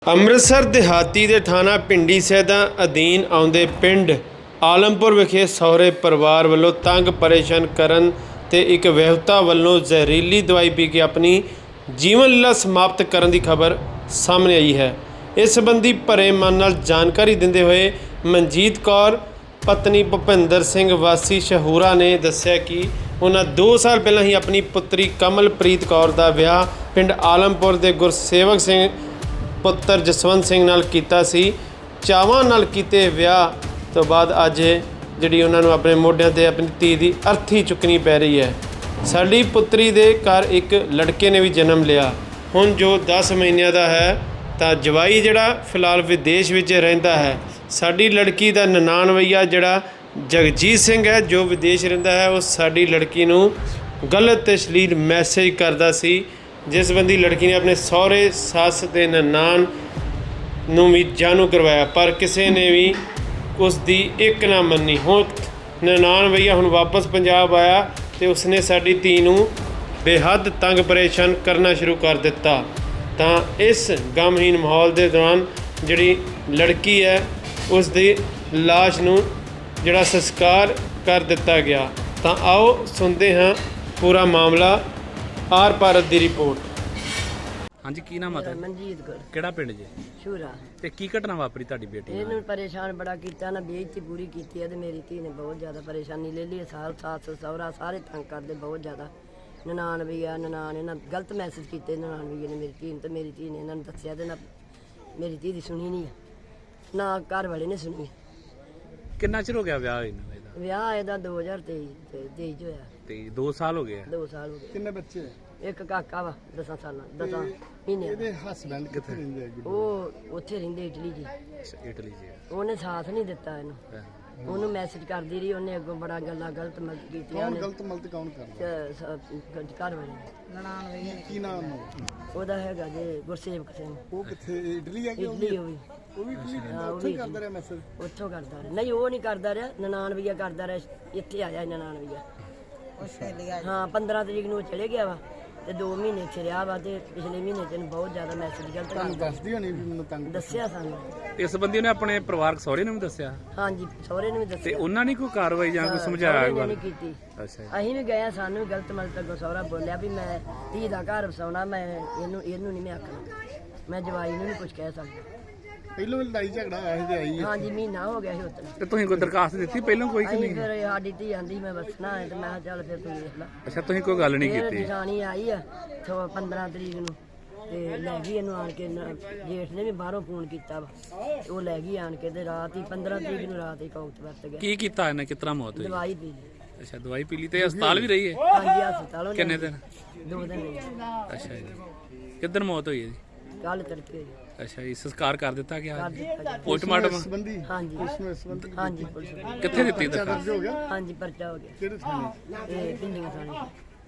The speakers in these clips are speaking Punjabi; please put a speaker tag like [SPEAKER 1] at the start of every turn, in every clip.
[SPEAKER 1] ਅੰਮ੍ਰਿਤਸਰ ਦਿਹਾਤੀ ਦੇ ਥਾਣਾ ਪਿੰਡੀ ਸੈਦਾ ਅਧੀਨ ਆਉਂਦੇ ਪਿੰਡ ਆਲਮਪੁਰ ਵਿਖੇ ਸਹੁਰੇ ਪਰਿਵਾਰ ਵੱਲੋਂ ਤੰਗ ਪਰੇਸ਼ਾਨ ਕਰਨ ਤੇ ਇੱਕ ਵਿਆਹੁਤਾ ਵੱਲੋਂ ਜ਼ਹਿਰੀਲੀ ਦਵਾਈ ਪੀ ਕੇ ਆਪਣੀ ਜੀਵਨ ਲੀਲਾ ਸਮਾਪਤ ਕਰਨ ਦੀ ਖਬਰ ਸਾਹਮਣੇ ਆਈ ਹੈ। ਇਸ ਸੰਬੰਧੀ ਭਰੇ ਮਨ ਨਾਲ ਜਾਣਕਾਰੀ ਦਿੰਦੇ ਹੋਏ ਮਨਜੀਤ ਕੌਰ ਪਤਨੀ ਭੁਪਿੰਦਰ ਸਿੰਘ ਵਾਸੀ ਸ਼ਹੂਰਾ ਨੇ ਦੱਸਿਆ ਕਿ ਉਹਨਾਂ 2 ਸਾਲ ਪਹਿਲਾਂ ਹੀ ਆਪਣੀ ਪੁੱਤਰੀ ਕਮਲਪ੍ਰੀਤ ਕੌਰ ਦਾ ਵਿਆਹ ਪਿੰਡ ਆਲਮਪੁਰ ਦੇ ਗੁਰਸੇਵਕ ਸਿੰਘ ਪੁੱਤਰ ਜਸਵੰਤ ਸਿੰਘ ਨਾਲ ਕੀਤਾ ਸੀ। ਚਾਵਾਂ ਨਾਲ ਕੀਤੇ ਵਿਆਹ ਤੋਂ ਬਾਅਦ ਅੱਜ ਜਿਹੜੀ ਉਹਨਾਂ ਨੂੰ ਆਪਣੇ ਮੋਢਿਆਂ ਤੇ ਆਪਣੀ ਧੀ ਦੀ ਅਰਥੀ ਚੁੱਕਣੀ ਪੈ ਰਹੀ ਹੈ। ਸਾਡੀ ਪੁੱਤਰੀ ਦੇ ਘਰ ਇੱਕ ਲੜਕੇ ਨੇ ਵੀ ਜਨਮ ਲਿਆ, ਹੁਣ ਜੋ 10 ਮਹੀਨਿਆਂ ਦਾ ਹੈ ਤਾਂ ਜਵਾਈ ਜਿਹੜਾ ਫਿਲਹਾਲ ਵਿਦੇਸ਼ ਵਿੱਚ ਰਹਿੰਦਾ ਹੈ। ਸਾਡੀ ਲੜਕੀ ਦਾ ਨਨਾਣਵਈਆ ਜਿਹੜਾ ਜਗਜੀਤ ਸਿੰਘ ਹੈ ਜੋ ਵਿਦੇਸ਼ ਰਹਿੰਦਾ ਹੈ, ਉਹ ਸਾਡੀ ਲੜਕੀ ਨੂੰ ਗਲਤ ਤੇ ਅਸ਼ਲੀਲ ਮੈਸੇਜ ਕਰਦਾ ਸੀ, ਜਿਸ ਸੰਬੰਧੀ ਲੜਕੀ ਨੇ ਆਪਣੇ ਸਹੁਰੇ ਸੱਸ ਤੇ ਨਨਾਣ ਨੂੰ ਵੀ ਜਾਣੂ ਕਰਵਾਇਆ, ਪਰ ਕਿਸੇ ਨੇ ਵੀ ਉਸ ਦੀ ਇੱਕ ਨਾ ਮੰਨੀ। ਹੁਣ ਨਨਾਣਵਈਆ ਹੁਣ ਵਾਪਸ ਪੰਜਾਬ ਆਇਆ ਤੇ ਉਸਨੇ ਸਾਡੀ ਧੀ ਨੂੰ ਬੇਹੱਦ ਤੰਗ ਪਰੇਸ਼ਾਨ ਕਰਨਾ ਸ਼ੁਰੂ ਕਰ ਦਿੱਤਾ। ਤਾਂ ਇਸ ਗਮਹੀਨ ਮਾਹੌਲ ਦੇ ਦੌਰਾਨ ਜਿਹੜੀ ਲੜਕੀ ਹੈ ਉਸ ਦੀ ਲਾਸ਼ ਨੂੰ ਜਿਹੜਾ ਸੰਸਕਾਰ ਕਰ ਦਿੱਤਾ ਗਿਆ। ਤਾਂ ਆਓ ਸੁਣਦੇ ਹਾਂ ਪੂਰਾ ਮਾਮਲਾ। ਆਰ ਭਾਰਤ ਦੀ ਰਿਪੋर्ट।
[SPEAKER 2] हाँ जी, की नाम है?
[SPEAKER 3] ਮਨਜੀਤ ਕੌਰ
[SPEAKER 2] केड़ा पिंड जे
[SPEAKER 3] ਸ਼ੂਰਾ।
[SPEAKER 2] ते की घटना वापरी ताड़ी बेटी नाल?
[SPEAKER 3] ਇਹਨੂੰ ਪਰੇਸ਼ਾਨ ਬੜਾ ਕੀਤਾ ਨਾ, ਬੇਇੱਜ਼ਤੀ ਪੂਰੀ ਕੀਤੀ ਹੈ ਤੇ ਮੇਰੀ ਧੀ ਨੇ ਬਹੁਤ ਜ਼ਿਆਦਾ ਪਰੇਸ਼ਾਨੀ ਲੈ ਲਈ। ਸੱਸ ਸਹੁਰਾ ਸਾਰੇ ਤੰਗ ਕਰਦੇ ਬਹੁਤ ਜ਼ਿਆਦਾ। ਨਨਾਣ ਵੀ ਆ, ਨਨਾਣ ਇਹਨਾਂ ਗਲਤ ਮੈਸੇਜ ਕੀਤੇ ਨਨਾਣ ਵੀ ਨੇ ਮੇਰੀ ਧੀ ਨੂੰ, ਤੇ ਮੇਰੀ ਧੀ ਨੇ ਇਹਨਾਂ ਨੂੰ ਦੱਸਿਆ ਤੇ ਨਾ ਮੇਰੀ ਧੀ ਦੀ ਸੁਣੀ ਨਹੀਂ ਆ, ਨਾ ਘਰ ਵਾਲੇ ਨੇ ਸੁਣੀ।
[SPEAKER 2] किन्ना चिर हो गया विआह इन्हां दा?
[SPEAKER 3] ਵਿਆਹ ਇਹਦਾ 2023 ਚ ਹੋਇਆ।
[SPEAKER 2] ते 2 साल हो गए
[SPEAKER 3] 2 ਸਾਲ ਹੋ ਗਏ।
[SPEAKER 4] ਕਿੰਨੇ ਬੱਚੇ?
[SPEAKER 3] ਇੱਕ ਕਾਕਾ ਵਾ 10 ਸਾਲਾਂ 10 ਮਹੀਨਿਆਂ ਦਾ।
[SPEAKER 4] ਇਹਦੇ ਹਸਬੈਂਡ ਕਿੱਥੇ ਰਹਿੰਦੇ ਆ?
[SPEAKER 3] ਉਹ ਉੱਥੇ ਰਹਿੰਦੇ ਇਟਲੀ ਜੀ।
[SPEAKER 2] अच्छा, इटली जे
[SPEAKER 3] ਉਹਨੇ ਸਾਥ ਨਹੀਂ ਦਿੱਤਾ ਇਹਨੂੰ, ਉਹਨੂੰ ਮੈਸੇਜ ਕਰਦੀ ਰਹੀ, ਉਹਨੇ ਅੱਗੋਂ ਬੜਾ ਗੱਲਾਂ ਗਲਤ ਕੀਤੀਆਂ।
[SPEAKER 4] ਕੌਣ ਗਲਤ ਮਲਤ ਕੌਣ ਕਰਦਾ?
[SPEAKER 3] ਘਰ ਵਾਲੇ
[SPEAKER 4] ਕੀ ਨਾਮ
[SPEAKER 3] ਉਹਦਾ ਹੈਗਾ ਜੇ ਗੁਰਸੇਵਕ ਸਿੰਘ।
[SPEAKER 4] ਉਹ ਕਿੱਥੇ? ਇਟਲੀ ਆ ਕਿ ਉਹ
[SPEAKER 3] ਇਟਲੀ ਉਹ ਵੀ
[SPEAKER 4] ਵੀ ਇਟਲੀ
[SPEAKER 3] ਹਾਂ, ਉਹ
[SPEAKER 4] ਉੱਥੇ
[SPEAKER 3] ਵੀ
[SPEAKER 4] ਕਰਦਾ ਰਿਹਾ ਮੈਸੇਜ?
[SPEAKER 3] ਉੱਥੋਂ ਕਰਦਾ ਰਿਹਾ। ਨਹੀਂ, ਉਹ ਨਹੀਂ ਕਰਦਾ ਰਿਹਾ, ਨਨਾਣ ਵੀਆ ਕਰਦਾ ਰਿਹਾ। ਇੱਥੇ ਆਇਆ ਨਨਾਣ ਵੀਆ। ਹਾਂ, 15 ਤਰੀਕ ਨੂੰ ਉਹ ਚਲੇ ਗਿਆ ਵਾ ਤੇ 2 ਮਹੀਨੇ ਇੱਥੇ ਰਿਹਾ ਵਾ, ਤੇ ਪਿਛਲੇ ਮਹੀਨੇ ਤੈਨੂੰ ਬਹੁਤ ਜ਼ਿਆਦਾ ਮੈਸੇਜ ਗਲਤ
[SPEAKER 4] ਤੁਹਾਨੂੰ
[SPEAKER 3] ਕਰਦਾ
[SPEAKER 4] ਦੱਸਦੀ ਹੋਣੀ ਵੀ ਮੈਨੂੰ ਤੰਗ
[SPEAKER 3] ਦੱਸਿਆ ਸਾਨੂੰ।
[SPEAKER 2] इस बंदी ने अपने परिवार सहुरे ने भी दस्या
[SPEAKER 3] ਹਾਂਜੀ, ਸਹੁਰੇ ਨੇ ਵੀ
[SPEAKER 2] ते
[SPEAKER 3] ਦੱਸਿਆ।
[SPEAKER 2] उन्हां ने कोई कार्रवाई जां कोई
[SPEAKER 3] ਸਹੁਰੇ
[SPEAKER 2] समझाया
[SPEAKER 3] ਨੇ
[SPEAKER 2] गल?
[SPEAKER 3] ਨਹੀਂ ਕੀਤੀ।
[SPEAKER 2] अच्छा
[SPEAKER 3] ਅਸੀਂ ਵੀ ਗਏ, ਸਾਨੂੰ ਵੀ ਗਲਤ ਮਲਤ ਅੱਗੋਂ ਸਹੁਰਾ ਬੋਲਿਆ ਵੀ ਮੈਂ ਧੀ ਦਾ ਘਰ ਵਸਾਉਣਾ, ਮੈਂ ਇਹਨੂੰ ਨਹੀਂ ਮੈਂ ਆਖਣਾ, ਮੈਂ ਜਵਾਈ ਨੂੰ ਨਹੀਂ ਕੁਝ ਕਹਿ ਸਕਦਾ।
[SPEAKER 4] ਪਹਿਲੋਂ ਵੀ ਲੜਾਈ ਝਗੜਾ ਹੋਇਆ ਸੀ ਤੇ ਆਈ ਹੈ।
[SPEAKER 3] ਹਾਂਜੀ, ਮਹੀਨਾ ਹੋ ਗਿਆ ਸੀ ਉਦੋਂ।
[SPEAKER 2] ते तुसीं कोई दरखास्त दित्ती पहलों कोई कि
[SPEAKER 3] ਅਸੀਂ
[SPEAKER 2] नहीं?
[SPEAKER 3] ਫਿਰ ਸਾਡੀ ਧੀ ਆਂਦੀ ਮੈਂ ਵਸਣਾ ਹੈ, ਤੇ ਮੈਂ ਕਿਹਾ ਚੱਲ ਫਿਰ ਤੂੰ ਵੇਖ ਲੈ।
[SPEAKER 2] अच्छा, तुसीं कोई गल नहीं
[SPEAKER 3] ਫਿਰ
[SPEAKER 2] कीती?
[SPEAKER 3] ਨਿਸ਼ਾਨੀ ਆਈ ਆ 15 ਤਰੀਕ ਨੂੰ, ਤੇ ਲੈ ਗਈ ਇਹਨੂੰ ਆਣ ਕੇ। ਜੇਠ ਨੇ ਵੀ ਬਾਹਰੋਂ ਫੋਨ ਕੀਤਾ ਵਾ, ਤੇ ਉਹ ਲੈ ਗਈ ਆਣ ਕੇ, ਤੇ ਰਾਤ ਹੀ 15 ਤਰੀਕ ਨੂੰ ਰਾਤ ਹੀ ਕੌਤ ਵਰਤ ਗਿਆ।
[SPEAKER 2] की कीता इन्हें? कितना मौत हुई?
[SPEAKER 3] ਦਵਾਈ ਪੀ ਲਈ।
[SPEAKER 2] अच्छा, दवाई पी ली ते अस्पताल भी रही है?
[SPEAKER 3] ਹਾਂਜੀ, ਹਸਪਤਾਲੋਂ
[SPEAKER 2] किन्ने दिन?
[SPEAKER 3] 2 ਦਿਨ ਲਈ।
[SPEAKER 2] अच्छा जी, किधर मौत हुई है जी?
[SPEAKER 3] ਕੱਲ ਤੜਕੇ ਹੋਈ।
[SPEAKER 2] अच्छा जी, संस्कार कर दिता गया?
[SPEAKER 3] ਕਰ ਦਿੱਤਾ ਗਿਆ।
[SPEAKER 2] पोस्टमार्टम
[SPEAKER 4] ਸੰਬੰਧੀ
[SPEAKER 3] ਹਾਂਜੀ
[SPEAKER 4] ਇਸ ਸੰਬੰਧੀ
[SPEAKER 3] ਹਾਂਜੀ, ਪੁਲਿਸ ਨੇ।
[SPEAKER 2] कितने दित्ती
[SPEAKER 4] ਦਰਜ
[SPEAKER 2] दरखास्त?
[SPEAKER 4] ਹੋ ਗਿਆ?
[SPEAKER 3] ਹਾਂਜੀ, ਪਰਚਾ ਹੋ ਗਿਆ।
[SPEAKER 4] ਕਿਹੜੇ ਥਾਣੇ?
[SPEAKER 3] ਇਹ ਪਿੰਡੀਆਂ ਥਾਣੇ।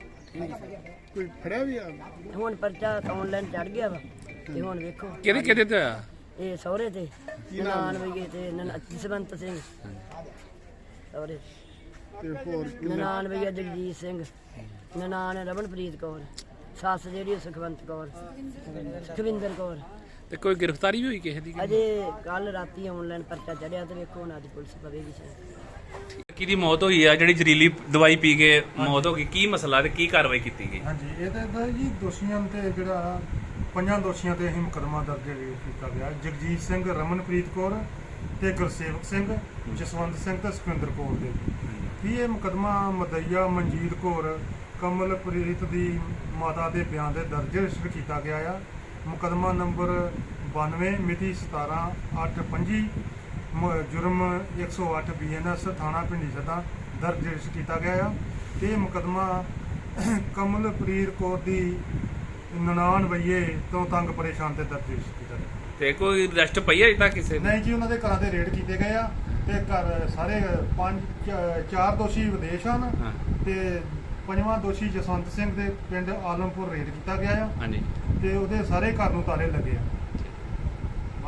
[SPEAKER 4] ਕੋਈ ਫੜਿਆ ਵੀ ਆ?
[SPEAKER 3] ਹੁਣ ਪਰਚਾ ਆਨਲਾਈਨ ਚੜ ਗਿਆ ਵਾ, ਤੇ ਹੁਣ ਵੇਖੋ
[SPEAKER 2] केदे केदे ते होया?
[SPEAKER 3] ਇਹ ਸਹੁਰੇ ਤੇ ਨਨਾਣ ਵਈਏ ਤੇ ਜਸਵੰਤ ਸਿੰਘ ਸਹੁਰੇ,
[SPEAKER 4] ਤੇ ਹੋਰ
[SPEAKER 3] ਨਨਾਣ ਵਈਆ ਜਗਜੀਤ ਸਿੰਘ, ਨਨਾਣ ਰਮਨਪ੍ਰੀਤ ਕੌਰ, ਸੱਸ ਜਿਹੜੀ ਸੁਖਵੰਤ ਕੌਰ, ਸੁਖਵਿੰਦਰ ਕੌਰ।
[SPEAKER 2] ਤੇ ਕੋਈ ਗ੍ਰਿਫਤਾਰੀ ਵੀ ਹੋਈ ਕਿਸੇ ਦੀ?
[SPEAKER 3] ਅਜੇ ਕੱਲ ਰਾਤੀ ਆਨਲਾਈਨ ਪਰਚਾ ਚੜਿਆ, ਤੇ ਵੇਖੋ ਹੁਣ ਅੱਜ ਪੁਲਿਸ ਪਵੇਗੀ ਸ਼ਾਇਦ।
[SPEAKER 2] ਕਿਹਦੀ ਮੌਤ ਹੋਈ ਆ ਜਿਹੜੀ ਜ਼ਹਿਰੀਲੀ ਦਵਾਈ ਪੀ ਕੇ ਮੌਤ ਹੋ ਗਈ? ਕੀ ਮਸਲਾ ਤੇ ਕੀ ਕਾਰਵਾਈ ਕੀਤੀ ਗਈ?
[SPEAKER 5] ਹਾਂਜੀ, ਇਹਦੇ ਦਾ ਜੀ ਦੋਸ਼ੀਆਂ ਤੇ ਜਿਹੜਾ 5 ਦੋਸ਼ੀਆਂ ਤੇ ਅਸੀਂ ਮੁਕੱਦਮਾ ਦਰਜ ਕੀਤਾ ਗਿਆ। ਜਗਜੀਤ ਸਿੰਘ, ਰਮਨਪ੍ਰੀਤ ਕੌਰ ਤੇ ਗੁਰਸੇਵਕ ਸਿੰਘ, ਜਸਵੰਤ ਸਿੰਘ ਤੇ ਸੁਖਿੰਦਰ ਕੌਰ ਦੇ ਵੀ ਇਹ ਮੁਕੱਦਮਾ ਮਦਈਆ ਮਨਜੀਤ ਕੌਰ ਕਮਲਪ੍ਰੀਤ ਦੀ ਮਾਤਾ ਦੇ ਬਿਆਨ ਦੇ ਦਰਜ ਰਜਿਸਟਰ ਕੀਤਾ ਗਿਆ ਆ। ਮੁਕੱਦਮਾ ਨੰਬਰ 92 ਮਿਤੀ 17/8/25 ਜੁਰਮ 108 BNS ਥਾਣਾ ਪਿੰਡੀ ਸੈਦਾ ਦਰਜ ਰਜਿਸਟਰ ਕੀਤਾ ਗਿਆ ਆ। ਤੇ ਇਹ ਮੁਕੱਦਮਾ ਕਮਲਪ੍ਰੀਤ ਕੌਰ ਦੀ ਨਨਾਣ ਵਈਏ ਤੋਂ ਤੰਗ ਪਰੇਸ਼ਾਨ ਤੇ ਦਰਜ ਰਜਿਸਟਰ ਕੀਤਾ ਗਿਆ।
[SPEAKER 2] ਤੇ ਕੋਈ ਅਰੈਸਟ ਪਈ ਹੈ ਤਾਂ ਕਿਸੇ ਨੇ?
[SPEAKER 5] ਨਹੀਂ ਜੀ, ਉਹਨਾਂ ਦੇ ਘਰਾਂ ਦੇ ਰੇਡ ਕੀਤੇ ਗਏ ਆ, ਤੇ ਘਰ ਸਾਰੇ 4 ਦੋਸ਼ੀ ਵਿਦੇਸ਼ ਹਨ,
[SPEAKER 2] ਹਾਂ।
[SPEAKER 5] ਤੇ 5ਵਾਂ ਦੋਸ਼ੀ ਜਸਵੰਤ ਸਿੰਘ ਦੇ ਪਿੰਡ ਆਲਮਪੁਰ ਰੇਡ ਕੀਤਾ ਗਿਆ ਆ,
[SPEAKER 2] ਹਾਂਜੀ।
[SPEAKER 5] ਤੇ ਉਹਦੇ ਸਾਰੇ ਘਰ ਨੂੰ ਤਾਲੇ ਲੱਗੇ ਆ।